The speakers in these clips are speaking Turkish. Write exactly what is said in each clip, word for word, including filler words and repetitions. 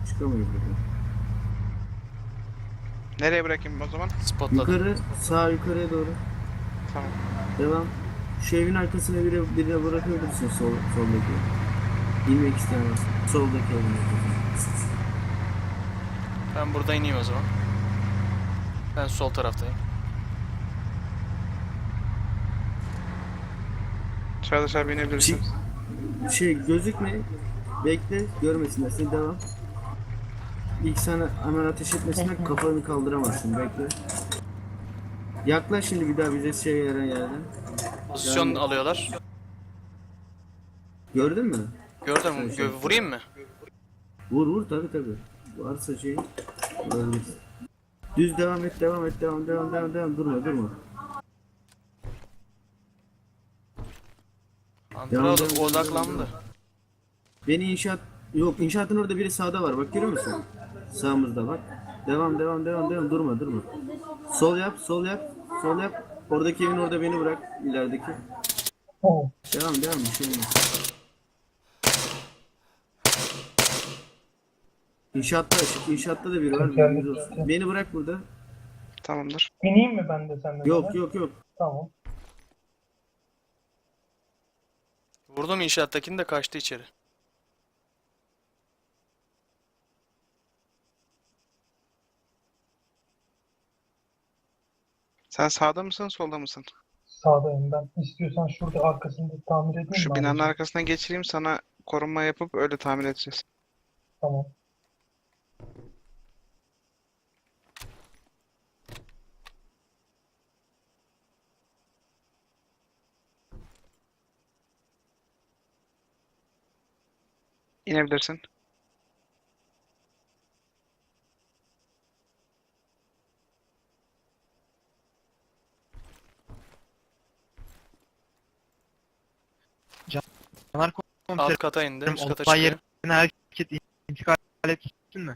Çıkamayız buradan. Nereye bırakayım o zaman? Spotladım. Yukarı, sağ yukarıya doğru. Tamam. Devam. Şu evin arkasına biri, birine bırakabilirsin sol, soldaki. İnmek istemez. Soldaki evin arkasına. Ben burada ineyim o zaman. Ben sol taraftayım. Dışarı dışarı binebilirsin. Şey gözükme. Bekle. Görmesinler. Sen devam. İlk sana hemen ateş etmesinden kafanı kaldıramazsın. Bekle. Yaklaş şimdi bir daha bize şey veren yerden. Pozisyon Yani- alıyorlar. Gördün mü? Gördüm. Sen şey Gö- vurayım mı? Vur vur tabi tabi. Varsa şey vurabilirsin. Düz devam et devam et devam devam devam devam durma durma. Antara Devam, devam, devam, odaklandı. devam. Beni inşaat yok inşaatın orada biri sağda var bak görüyor musun? Sağımızda bak. Devam devam devam devam durma durma. Sol yap sol yap sol yap. Oradaki evin orada beni bırak ilerideki. Oh. Devam devam bir şey olmaz. İnşaatta inşaatta da biri var. bilginiz olsun. Beni bırak burada. Tamamdır. İneyim mi ben de senden? Yok yok yok. Tamam. Vurdum inşaattakini de kaçtı içeri. Sen sağda mısın, solda mısın? Sağdayım ben. İstiyorsan şurada arkasında tamir edeyim Şu mi binanın abicim? arkasına geçireyim, sana korunma yapıp öyle tamir edeceğiz. Tamam. İnebilirsin. Caner Alt komiserim, kata indi. Üst kata olay çıkıyor. yerine hareket intikal ettin mi?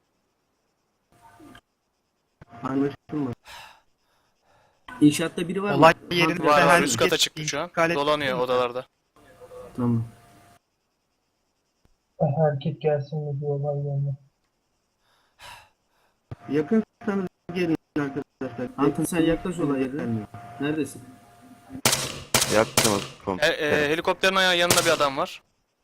Anlaşılma. İnşaatta biri var mı? Olay yerinde Var, Var var herkes üst kata çıktı şu an. intikal ettin Dolanıyor mi? odalarda. Tamam. Erkek gelsin mi diyorlar yani. Yakınsanız gelin arkadaşlar. Antın sen yaklaş olay yerine. Neredesin? Yaktınız E, komiserim. e, helikopterin ayağı yanında bir adam var.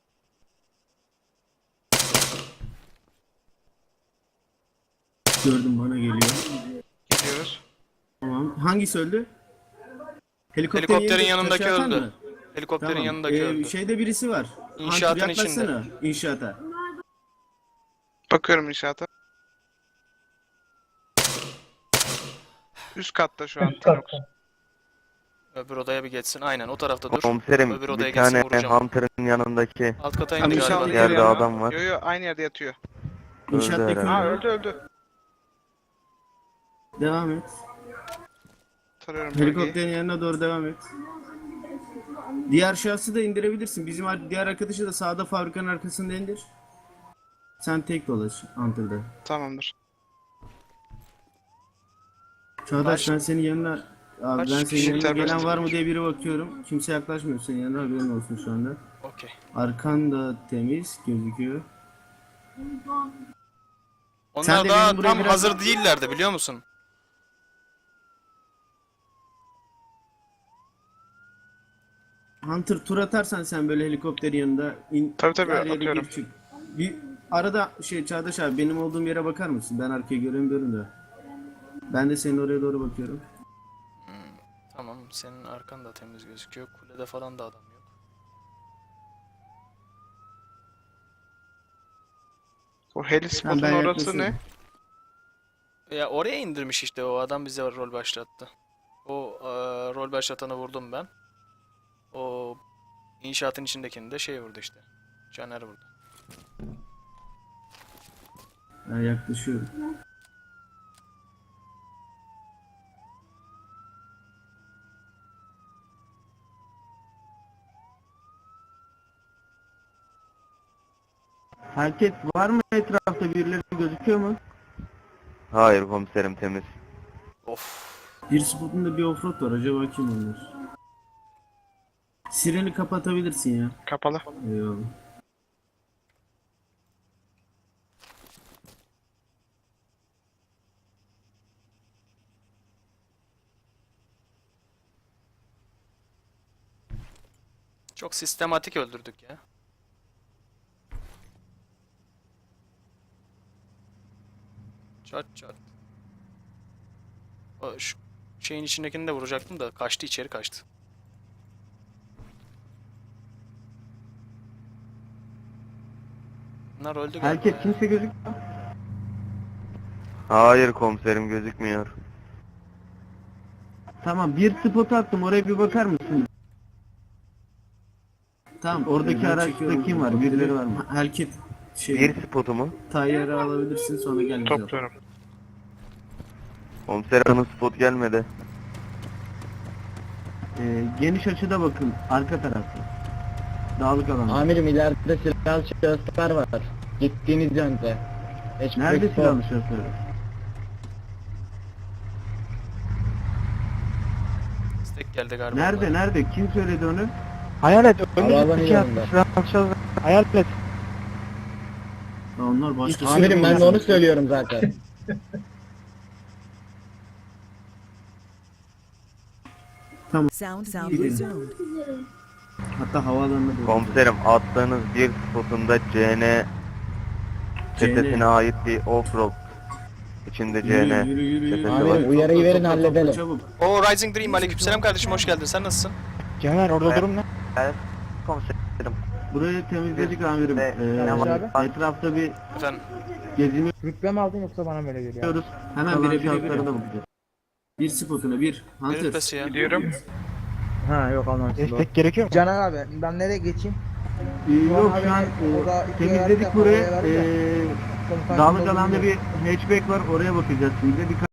Gördüm bana geliyor. Gidiyoruz. Tamam. Hangisi öldü? Helikopterin yerinde yanındaki taşı atan öldü. mı? Helikopterin Tamam. yanındaki Ee, öldü. Şeyde birisi var. İnşaatın Hunter, içinde. yaklaşsana İnşaata. Bakıyorum inşaata. Üst katta şu an. Üst Tanox. katta. Öbür odaya bir geçsin. Aynen o tarafta dur. Komiserim Öbür odaya bir geçsin tane vuracağım. Hunter'ın yanındaki Alt kata Tam indi nişanlı galiba. Yerde geliyor adam ama. var. Yo yo aynı yerde yatıyor. İnşaattaki herhalde. Ha öldü. öldü öldü. Devam et. Tarıyorum bölgeyi. Helikopterin yanına doğru devam et. Diğer şahsı da indirebilirsin. Bizim ar- diğer arkadaşı da sağda fabrikanın arkasında indir. Sen tek dolaş Hunter'da. Tamamdır. Çağdaş Baş- ben senin yanına abi Kaç ben senin kişi yanına gelen serbest var mı tutmuş? diye biri bakıyorum. Kimse yaklaşmıyor senin yanına haberin olsun şu anda. Okey. Arkan da temiz gözüküyor. Onlar de daha benim buraya tam biraz- hazır değillerdi biliyor musun? Hunter tur atarsan sen böyle helikopterin yanında in, Tabii, tabii, her yere atıyorum. gir çık. Bir arada şey Çağdaş abi benim olduğum yere bakar mısın? Ben arkaya göremiyorum da. Ben de senin oraya doğru bakıyorum. Tamam senin arkan da temiz gözüküyor. Kulede falan da adam yok. O heli Ben, spotun ben orası ne? yaklaşıyorum. Ya oraya indirmiş işte o adam bize rol başlattı. O e, rol başlatanı vurdum ben. O inşaatın içindekini de şey vurdu işte. Caner vurdu. Ben yaklaşıyorum. Herkes var mı etrafta birileri gözüküyor mu? Hayır komiserim temiz. Of. Bir spotunda bir offroad var acaba kim onlar? Sireni kapatabilirsin ya. Kapalı. Eyvallah. Çok sistematik öldürdük ya. Çat çat. O şu şeyin içindekini de vuracaktım da kaçtı, içeri kaçtı. Bunlar öldü galiba Herkes ya. kimse gözükmüyor. Hayır komiserim gözükmüyor. Tamam, bir spot attım, oraya bir bakar mısın? Tamam, oradaki araçta kim var? Birileri var mı? Herkes şey, Bir spotu mu? Tayyarı alabilirsin, sonra gel bize. Topluyorum. Komiserim bana spot gelmedi. Ee, geniş açıda bakın, arka tarafta. Dağlık alan. Amirim ileride silahlı şahıslar var. Gittiğiniz yönde. Hiç Nerede pek silahlı şoförü? Destek geldi galiba. Nerede, nerede? Kim söyledi onu? Hayalet. Havaalanı Önümüzdeki yanında. silahlı hayalet. Ya onlar başka şey Amirim ben de onu söylüyorum zaten. Sound sound Gidelim. resumed. Hatta havaalanına doğru. Komiserim attığınız bir spotunda C N çetesine ait bir offroad. İçinde C N Yürü, yürü, yürü, çetesi yürü. var. Amirim uyarıyı verin Topla, topla, halledelim. çabuk. O Rising Dream, aleykümselam kardeşim, hoş geldin. Sen nasılsın? Caner orada durum ne? Komiserim. Burayı temizledik amirim. Ve- Ee, etrafta bir Efendim. geziniyoruz. Rütbe mi aldın yoksa bana böyle geliyor? Hemen Kalan bire bire şartlara bire. da bakacağız. Bir spotuna bir. Ne Hunter. rütbesi ya? Gidiyorum. Ha yok almamışsın. Destek gerekiyor mu? Caner abi ben nereye geçeyim? Ee, yok şu an Orada e, iki temizledik yerde burayı. havaya verdi. Ee, Komutan dağlık kim olduğunu alanda bir bilmiyorum. hatchback var, oraya bakacağız şimdi. Birkaç